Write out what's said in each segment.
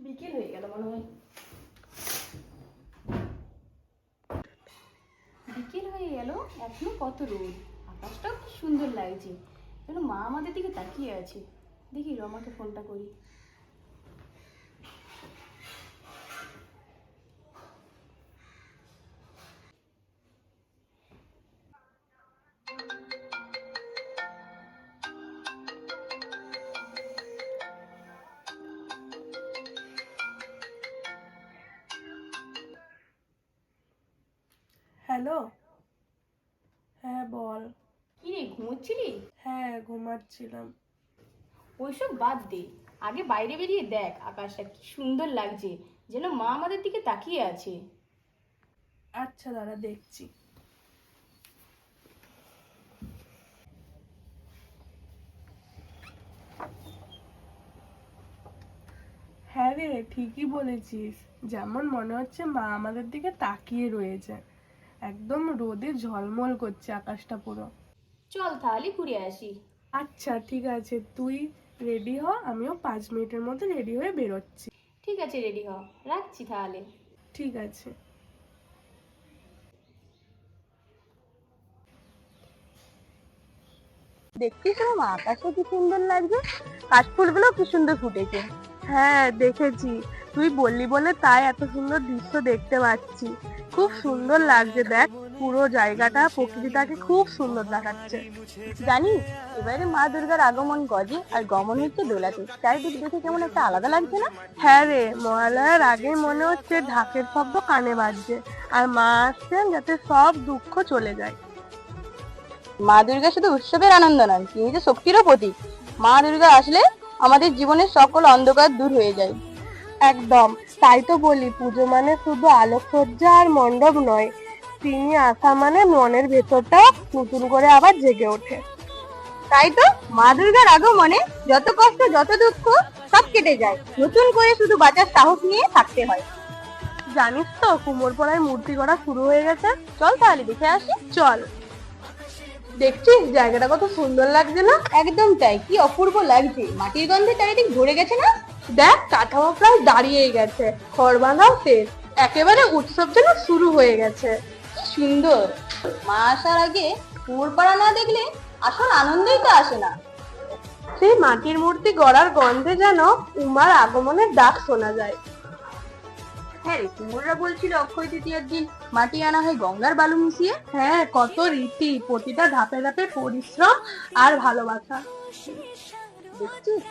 বিকেল হয়ে গেল মনে হয়। বিকেল হয়ে গেল, এখনো কত রোদ, আকাশটাও কি সুন্দর লাগছে। যেন মা আমাদের দিকে তাকিয়ে আছে। দেখি রমাকে ফোনটা করি। হ্যালো। হ্যাঁ বল। কি রে, ঘুমোচ্ছিলি? হ্যাঁ ঘুমাচ্ছিলাম। ওইসব বাদ দে, আগে বাইরে বেরিয়ে দেখ আকাশটা কি সুন্দর লাগছে। যেন মা আমাদের দিকে তাকিয়ে আছে। আচ্ছা দাঁড়া দেখছি। হ্যাঁ রে, ঠিকই বলেছিস। যেমন মনে হচ্ছে মা আমাদের দিকে তাকিয়ে রয়েছে। একদম রোদে ঝলমল করছে আকাশটা পুরো। চল তাহলে ঘুরে আসি। আচ্ছা ঠিক আছে, তুই রেডি হ, আমিও 5 মিনিটের মধ্যে রেডি হয়ে বেরোচ্ছি। ঠিক আছে, রেডি হ, রাখছি তাহলে। ঠিক আছে। দেখছিস মা, আকাশে কি সুন্দর লাগছে, কাশফুলগুলো কি সুন্দর ফুটেছে। হ্যাঁ দেখেছি, তুই বললি বলে তাই এত সুন্দর দৃশ্য দেখতে পাচ্ছি। খুব সুন্দর লাগছে, দেখ পুরো জায়গাটা, প্রকৃতিটাকে খুব সুন্দর দেখাচ্ছে। জানিস, এবারে মা দুর্গার আগমন গজে আর গমন হচ্ছে দোলাতে, চারিদিক দেখে কেমন একটা আলাদা লাগছে না? হ্যাঁ রে, মহালয়ার আগে মনে হচ্ছে ঢাকের শব্দ কানে বাজছে, আর মা আসছেন যাতে সব দুঃখ চলে যায়। মা দুর্গা শুধু উৎসবের আনন্দ নয়, তিনি যে শক্তিরও প্রতীক। মা দুর্গা আসলে আমাদের জীবনের সকল অন্ধকার দূর হয়ে যায়। একদম, তাই তো বলি পুজো মানে শুধু আলোকসজ্জা আর মণ্ডপ নয়, তিনি আসা মানে মনের ভেতরটা নতুন করে আবার জেগে ওঠে। তাই তো মা দুর্গার আগমনে যত কষ্ট যত দুঃখ সব কেটে যায়, নতুন করে শুধু বাঁচার সাহস নিয়ে থাকতে হয়। জানিস তো, কুমোরপাড়ায় মূর্তি গড়া শুরু হয়ে গেছে। চল তাহলে দেখে আসি। চল। দেখছিস জায়গাটা কত সুন্দর লাগছে না? একদম তাই, কি অপূর্ব লাগছে, মাটির গন্ধে চারিদিক ভরে গেছে না? দেখ কাঠামো প্রায় দাঁড়িয়েই গেছে, খড় বাঁধাও শেষ, একেবারে উৎসব যেন শুরু হয়ে গেছে। কি সুন্দর। মা আসার আগে কুমোরপাড়া না দেখলে আসল আনন্দই তো আসে না। সেই মাটির মূর্তি গড়ার গন্ধে যেন উমার আগমনের ডাক শোনা যায়। হ্যাঁ রে, কুমোররা বলছিল অক্ষয় তৃতীয়ার দিন মাটি আনা হয় গঙ্গার বালু মিশিয়ে। হ্যাঁ, কত রীতি, প্রতিটা ধাপে ধাপে পরিশ্রম আর ভালোবাসা। দেখছিস?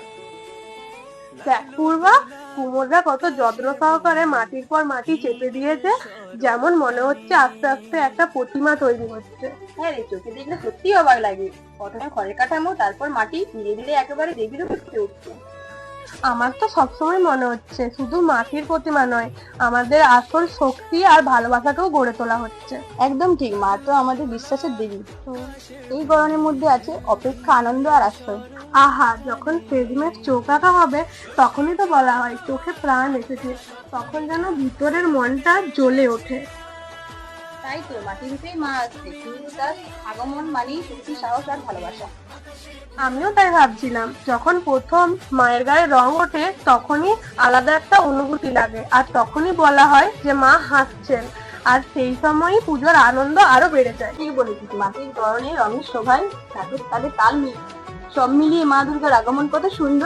দেখ পূর্বা, কুমোররা কত যত্ন সহকারে মাটির পর মাটি চেপে দিয়েছে, যেমন মনে হচ্ছে আস্তে আস্তে একটা প্রতিমা তৈরি হচ্ছে। হ্যাঁ রে, চোখে দেখলে সত্যি অবাক লাগে। প্রথমে খড়ের কাঠামো, তারপর মাটি, ধীরে ধীরে একেবারে দেবীর রূপে ফুটে উঠছে। আমার তো সবসময় মনে হচ্ছে শুধু মাটির প্রতিমা নয়, আমাদের আসল শক্তি আর ভালোবাসাকেও গড়ে তোলা হচ্ছে। একদম ঠিক, মা তো আমাদের বিশ্বাসের দেবী। এই গরমের মধ্যে আছে অপেক্ষা, আনন্দ আর আশ্রয়। আহা, যখন শেষমেশ চোখ আঁকা হবে তখনই তো বলা হয় চোখে প্রাণ এসেছে, তখন যেন ভিতরের মনটা জ্বলে ওঠে। তাই তো, মাটির রূপেই মা আসছে, কিন্তু তার আগমন মানেই শক্তি, সাহস আর ভালোবাসা। আমিও তাই ভাবছিলাম, যখন প্রথম মায়ের গায়ে রং ওঠে তখনই আলাদা একটা অনুভূতি লাগে, আর তখনই বলা হয় যে মা হাসছেন, আর সেই সময়ই পুজোর আনন্দ আরো বেড়ে যায়। ঠিক বলেছিস, মাটির গরনে রঙের শোভায় নাচের তালে তাল মিল, সব মিলিয়ে মা দুর্গার আগমন কত সুন্দর।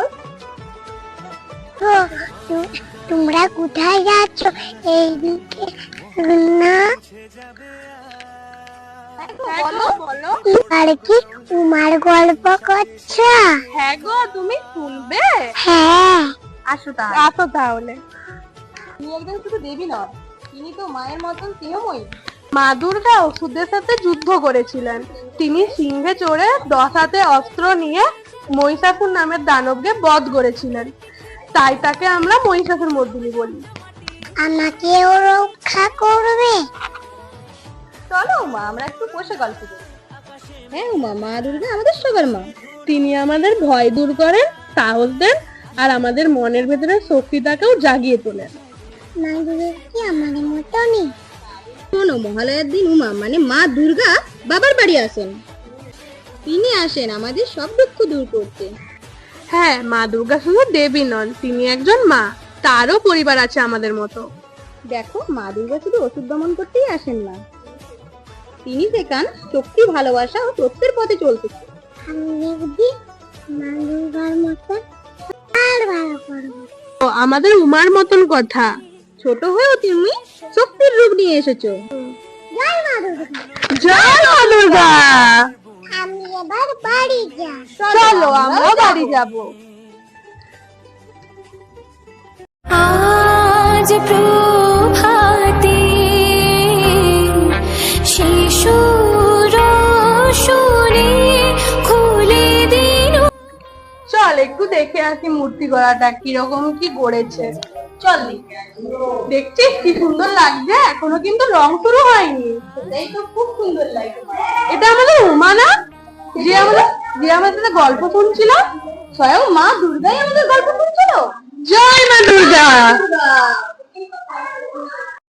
তোমরা কোথায় যাচ্ছ? এইদিকে না, বলো। আর কি উমার গল্প করছো? হ্যাঁ গো, তুমি শুনবে? হ্যাঁ, আসো তাহলে। তিনি একজন শুধু দেবী নয়, তিনি তো মায়ের মতন স্নেহময়ী। মা দুর্গা অসুরদের সাথে যুদ্ধ করেছিলেন। তিনি সিংহে চড়ে 10 হাতে অস্ত্র নিয়ে মহিষাসুর নামের দানবকে বধ করেছিলেন, তাই তাকে আমরা মহিষাসুর মর্দিনী বলি। আমাকেও রক্ষা করবে? চলো মা, আমরা একটু বসে গল্প করি। হ্যাঁ উমা, মা দুর্গা আমাদের সবার মা। তিনি আমাদের ভয় দূর করেন, সাহস দেন, আর আমাদের মনের ভেতরের শক্তিটাকেও জাগিয়ে তোলেন। মা দুর্গা কি আমাদের মতনই? শোনো, মহালয়ার দিন উমা মানে মা দুর্গা বাবার বাড়ি আসেন। তিনি আসেন আমাদের সব দুঃখ দূর করতে। হ্যাঁ, মা দুর্গা শুধু দেবী নন, তিনি একজন মা, তারও পরিবার আছে আমাদের মতো। দেখো, মা দুর্গা শুধু ওষুধ দমন করতেই আসেন না, তিনি শেখান শক্তি, ভালোবাসা ও সত্যের পথে চলতে। আমি দেখবি মা দুর্গার মতন আর ভালো করবো। ও আমাদের উমার মতন কথা। ছোট হয়েও তুমি শক্তির রূপ নিয়ে এসেছো। জয় মা দুর্গা। জয় মা দুর্গা। আমি এবার বাড়ি যাই। চলো আমরা বাড়ি যাব। আজ প্রভাতে শিশুর শুনে খুলে দিন। চল একটু দেখে আসি মূর্তি গড়াটা কিরকম কি গড়েছে। চল দেখে আসি। দেখছিস কি সুন্দর লাগছে, এখনো কিন্তু রং শুরু হয়নি। সেটাই তো খুব সুন্দর লাগে। এটা আমাদের উমা না, যে আমাদের সাথে গল্প শুনছিল? স্বয়ং মা দুর্গাই আমাদের গল্প শুনছিল। জয় মা দুর্গা।